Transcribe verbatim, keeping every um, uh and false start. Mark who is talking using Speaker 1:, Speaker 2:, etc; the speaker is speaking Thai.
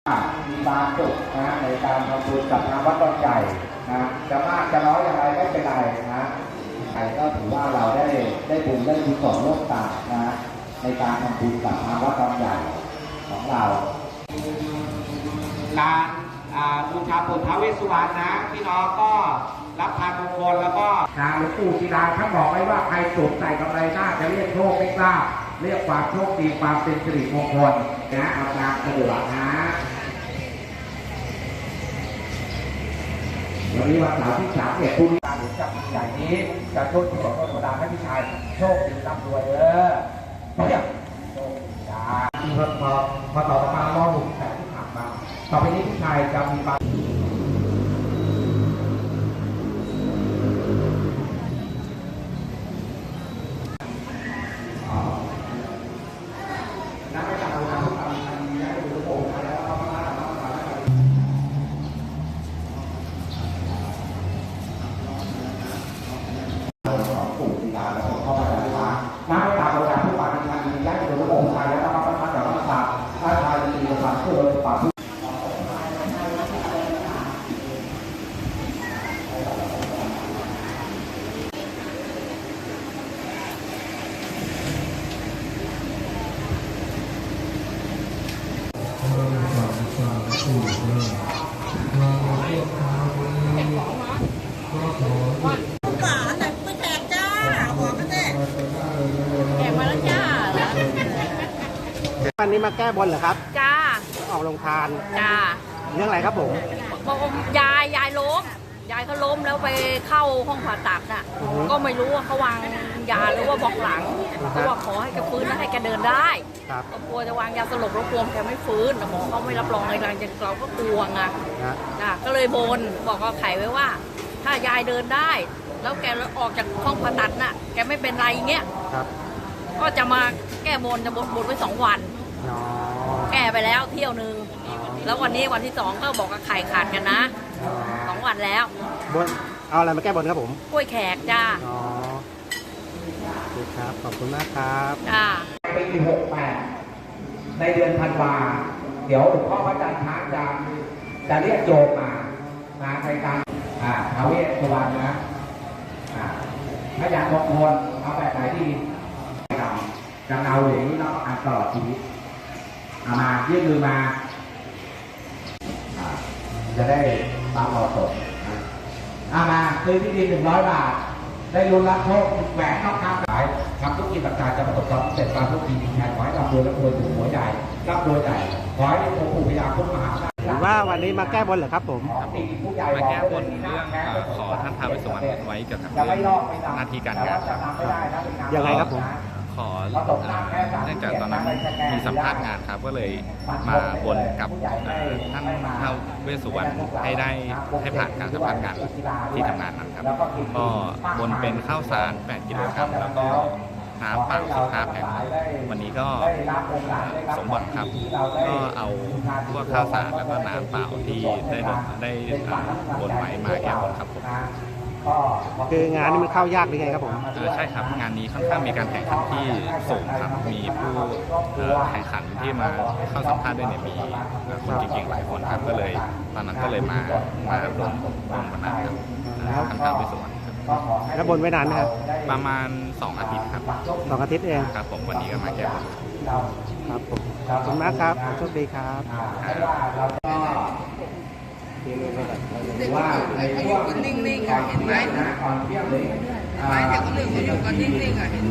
Speaker 1: มีบางจุดนะในการทำบุญกับทางวัดดอนใหญ่นะจะมากจะน้อยอย่างไรไม่เป็นไรนะใครก็ถือว่าเราได้ได้บุญได้กุศลร่วมกันนะในการทำบุญกับทางวัดดอนใหญ่ของเราการบูชาปู่ท้าวเวสสุวรรณนะพี่น้องก็รับทานมงคลแล้วก็ทางหลวงปู่ศิลาท่านบอกไว้ว่าใครสวมใส่กำไรหน้าจะเรียกโชคไม่ทราบเรียกความโชคดีความเป็นสิริมงคลนะเอาตามสะดวกนะวันนี้วันเสาร์ที่สามเอ็ดพรุ่งนี้การหลวงจับใหญ่นี้จะโชคดีของคนธรรมดาให้พี่ชายโชคดีร่ำรวยเออเนี่ยโชคดีจ้าพอพอพอต่อมาล่อหลุมแต่ที่ผ่านมาต่อไปนี้พี่ชายจะมีบางน้ำตาโบราณผู้ป่าที่ทางนี้ย้ายไปดูองค์ชายแล้วก็มาประทับกับพระศาสพระชายมีความเชื่อโดยป่าผู้
Speaker 2: วันนี้มาแก้บนเหรอครับ
Speaker 3: จ้า
Speaker 2: ออกโรงทาน
Speaker 3: จ้า
Speaker 2: เรื่องอะไรครับผม
Speaker 3: บอกยายยายล้มยายเขาล้มแล้วไปเข้าห้องผ่าตัดน่ะก็ไม่รู้ว่าเขาวางยาหรือว่าบอกหลังเขาบอกขอให้แกฟื้นและให้แกเดินได้ก็กลัวจะวางยาสลบแล้วกลัวแกไม่ฟื้นหมอเขาไม่รับรองอะไรหลังจากเราก็กลัวไงจ้าก็เลยบนบอกกับไข่ไว้ว่าถ้ายายเดินได้แล้วแกออกจากห้องผ่าตัดน่ะแกไม่เป็นไรเงี้ยก็จะมาแก้บนจะบนบนไว้สองวันแก้ไปแล้วเที่ยวนึงแล้ววันนี้วันที่สองก็บอกกับไข่ขาดกันนะสองวันแล้ว
Speaker 2: บนเอาอะไรมาแก้บนครับผม
Speaker 3: กล้วยแขกจ้า
Speaker 2: อ๋อครับขอบคุณมากครับ
Speaker 3: จ้า
Speaker 1: ปีหกแปดในเดือนธันวาเดี๋ยวหลวงพ่อพระอาจารย์ช้างจะจะเรียกโยมมามาในการอ่าท้าวเวสสุวรรณนะอ่าถ้าอยากมงคลเอาแบบไหนดีจะเอาอย่างนี้เราอ่านตลอดชีวิตเอามายื่นมือมาจะได้ตามเราสดเอามาซื้อที่ดินหนึ่งร้อยบาทได้รุนรับโชคแหวนนอกข้างขายทำทุกกิจต่างๆจะประสบความสำเร็จตามทุกทีมีแทนขอให้ร่ำรวยร่ำรวยถูกหัวใหญ่ร่ำรวยใหญ่ขอให้องค์ปู่พญาคุ้มมหา
Speaker 2: หรือว่าวันนี้มาแก้บนเหรอครับผม
Speaker 4: มาแก้บนเรื่องขอท่านท้าวเวสสุวรรณไว้เกี่ยวกับเรื่องหน้าที่การงาน
Speaker 2: ยังไงครับผม
Speaker 4: ขอเนื่องจากตอนนั้นมีสัมภาษณ์งานครับก็เลยมาบนกับท่านท้าวเวสสุวรรณให้ได้ให้ผ่านการสัมภาษณ์งานที่ทำงานนั้นครับก็บนเป็นข้าวสารแปดกิโลกรัมแล้วก็น้ำเปล่าสิบห้าแพ็ควันนี้ก็สมบัติครับก็เอาพวกข้าวสารแล้วก็น้ำเปล่าที่ได้ได้บนไว้มาแก้บนครับผม
Speaker 2: คืองานนี้มันเข้ายากหรือไงครับผม
Speaker 4: ใช่ครับงานนี้ค่อนข้างมีการแข่งขันที่สูงครับมีผู้แข่งขันที่มาเข้าสัมภาษณ์ด้วยเนี่ยมีคนเก่งๆหลายคนครับก็เลยตอนนั้นก็เลยมามาบนบนวันนั้นครับท่านท้าวเวสสุวรรณ
Speaker 2: แล้วบนไว้นานไหมครับ
Speaker 4: ประมาณสองอาทิตย์ครับ
Speaker 2: สองอาทิตย์เอง
Speaker 4: ครับผมวันนี้ก็มาแก้บน
Speaker 2: ครับผมขอบคุณมากครับโชคดีครับ
Speaker 1: ว่าในพวกนิ่งๆเห็นไหมหมายถึงคนอื่นเขาอยู่กันนิ่งๆอ่ะ